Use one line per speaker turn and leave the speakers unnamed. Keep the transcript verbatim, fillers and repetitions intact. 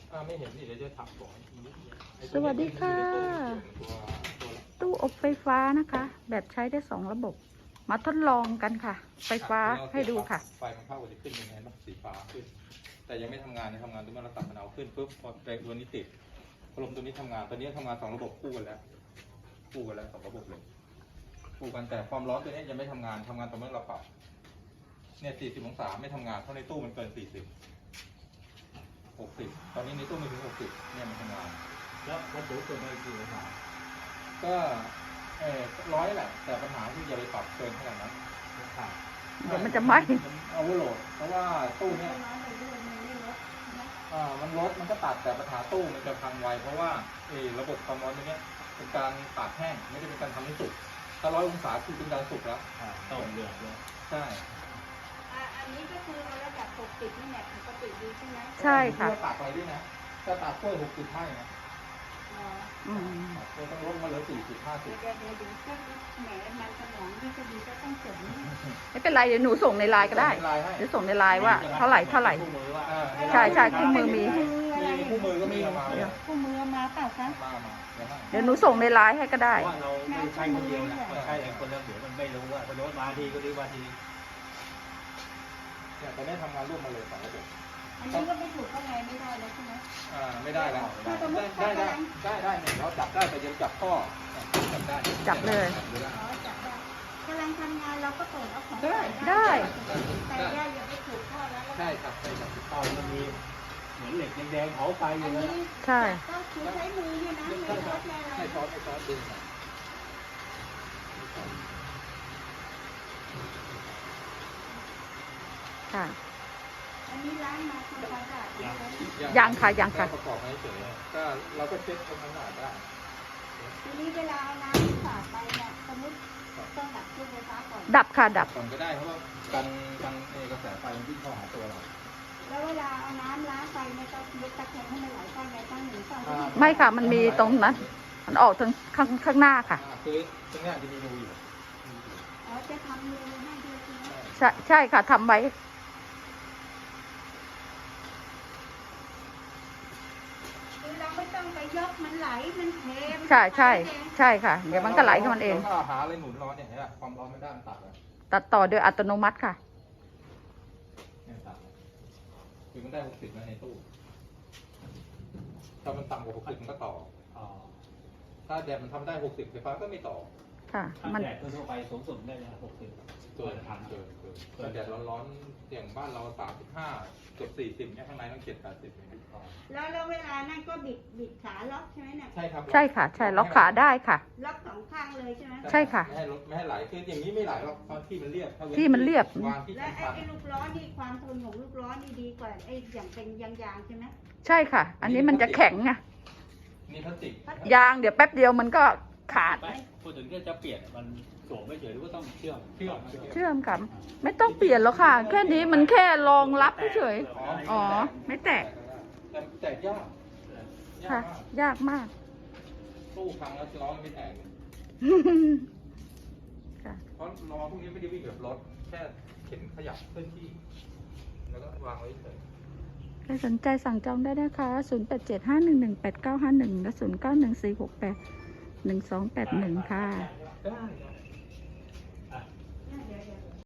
ไม่เห็นนี่เดี๋ยวจะถักก่อน
สวัสดีค่ะตู้อบไฟฟ้านะคะ แบบใช้ได้สองระบบ มาทดลองกันค่ะ ไฟฟ้าให้ดูค่ะ
ไฟมันเข้าจะขึ้นยังไงบ้างสีฟ้าขึ้นแต่ยังไม่ทำงานในทำงานตัวนี้เราตัดมันเอาขึ้นปุ๊บพอตัวนี้ติดพัดลมตัวนี้ทำงานตัวนี้ทำงานสองระบบคู่กันแล้วคู่กันแล้วสองระบบเลยคู่กันแต่ความร้อนตัวนี้ยังไม่ทำงานทำงานตอนเมื่อเราปรับเนี่ยสี่สิบองศาไม่ทำงานเพราะในตู้มันเกินสี่สิบหกสิบตอนนี้ในตู้ไม่ถึงหกสิบเนี่ยมันทำงาน
แล้ววัตถุเกิดอะไรกี่องศา
ก็เออร้อยแหละแต่ปัญหาที่อย่าไปปรับเกินขนาดนั้น
เดี๋ยวมันจะไหม้
เอาโหลดเพราะว่าตู้เนี้ยอ่ามันลดมันก็ตัดแต่ปัญหาตู้มันจะพังไวเพราะว่าเออระบบความร้อนตรงนี้เป็นการตากแห้งไม่ได้เป็นการทำให้สุกถ้าร้อยองศาคือเป็นการสุกแล้ว
ต้องเดือดเลย
ใช่
อันนี้ก็คือระดับหกสิบนี่แหละปกติดีใช่ไหม
ใช่ค่ะ
ตากอะไรด้วยนะจะตากกล้วยหกสิบให้นะ
อืม
เราต้องลดมาเหลือสี่สิบห้าสิบ
เดี๋ยวเดี๋ยวดูก็แหมมันสมองที่จะดีก็ต้องเสริม
ไม่เป็นไรเดี๋ยวหนูส่งในไลน์ก็ได้เดี๋ยวส่งในไลน์ว่าเท่าไหร่เท่าไหร่ใช่ใช่คู่มือมี
คู่มือก็มีมา
คู่มือมาเปล่าคะ
เดี๋ยวหนูส่งในไลน์ให้ก็ได้
ว่าเราไม่ใช่คนเดียวนะใช่คนละเดี๋ยวมันไม่รู้ว่าพอโยนมาทีก็ดีว่าที
เนี่ยตอนนี้ทำงานร่วมมาเลยสองระบบ
อันนี้ก็ไม่ถูกข้างในไม่ได้แล้วใช่ไหม
อ่าไม่ได้แล้วได้ได้ได้ได้เนี่ยเราจับได้แต่ยังจับข้อจับได้
จับเลย
อ๋อจับได้กำลังทำงานเราก็เปิดเอาของ
ได้ได้
แต่ย่าอย่าไปถูกข้อแล้ว
ใช่ครับใช่ครับ
ตอนมันมีเหมือนเหล็กแดงๆเผาไฟอยู่นะ
ใช่
ก็คือใช้มือเนี่ยนะไม่ช็อตอะไร
ไม่ช็อตไม่ช็อตดึง
ค่ะ
อันนี้ล้างมาทำความสะอาด
ยังค่ะยังค่ะ
ประกอบให้เฉยก็เราก็เช็คทำความสะอาดได้
ทีนี้เวลาน้ำสาดไปเนี่ยสมมติต้องดับเครื่องไฟฟ้าก่อน
ดับค่ะดับ
ก่อนก็ได้เพราะว่ากันกันกระแสไฟมันวิ่งเข้าหาตัวเรา
แล้วเวลาเอาน้ำล้างไฟเนี่ยต้องยกตะแคงให้มันไหลเข้าในตั้งหนึ่งฝั่ง
ไม่ค่ะมันมีตรงนั้นมันออกทางข้างข้างหน้าค่ะ
คือตรงนี้จะมีรูอยู่
อ๋อจะทำรูให้ด้วยใช่ไหม
ใช่ใช่ค่ะทำไว้
ไม่ต้องไปยกมันไหลมันเท
ใช่ใช่ใช่ค่ะเดี๋ยวมันก็ไหลของมันเอง
ก็หาอะไรหนุนร้อนเนี่ยความร้อนไม่ได้มันตัดเลย
ตัดต่อโดยอัตโนมัติค่ะ
เนี่ยตัดคือมันได้หกสิบนะในตู้ถ้ามันต่ำกว่าหกสิบมันก็ต่อถ้าแดดมันทำได้หกสิบไฟฟ้าก็ไม่ต่อ
ค่ะ
มันแดดทั่วไปสูงสุดได้นะหกสิบ
เกินทันเกินเกินถ้าแดดร้อนๆอย่างบ้านเราสามสิบห้าเกือบสี่สิบเนี่ยข้างในต้องเจ็ดแปดสิบ
แล้วแล้วเวลานั่นก็บิดบิดขาล็อกใช่ไหมเนี่ย
ใช่ครับ
ใช่ค่ะใช่ล็อกขาได้ค่ะ
ล็อกสองข้างเลยใช่ไหม
ใช่ค่ะ
ไม่ให้ไม่ให้ไหลคืออย่างนี้ไม่ไหลหรอกตอนที่มันเรียบ
ที่มันเรียบ
และไอ้ลูกล้อนี่ความทนของลูกล้อนี่ดีกว่าไอ้อย่างเป็นยางๆใช่ไหม
ใช่ค่ะอันนี้มันจะแข็งไง
นี่พลาสติก
ยางเดี๋ยวแป๊บเดียวมันก็ขาด
พูดถึงจะเปลี่ยนมันสวมไม่เฉยหรือว่าต้องเชื่อม
เชื่อม
เชื่อมกันไม่ต้องเปลี่ยนหรอกค่ะแค่นี้มันแค่รองรับเฉยอ๋อไม่แตก
แตกยาก
ค่ะยากมาก
ตู้พังแล้วล้อไม่แตกเพราะล้อพวกนี้ไม่ได้วิ่งแบบรถแค่เข็นขยับเคลื่อนที่แล้วก็วางไว้เฉย
ใครสนใจสั่งจองได้นะคะศูนย์ แปด เจ็ด ห้า หนึ่ง หนึ่ง แปด เก้า ห้า หนึ่งและศูนย์ เก้า หนึ่ง สี่ หก แปด หนึ่ง สอง แปด หนึ่งค่ะ
ได้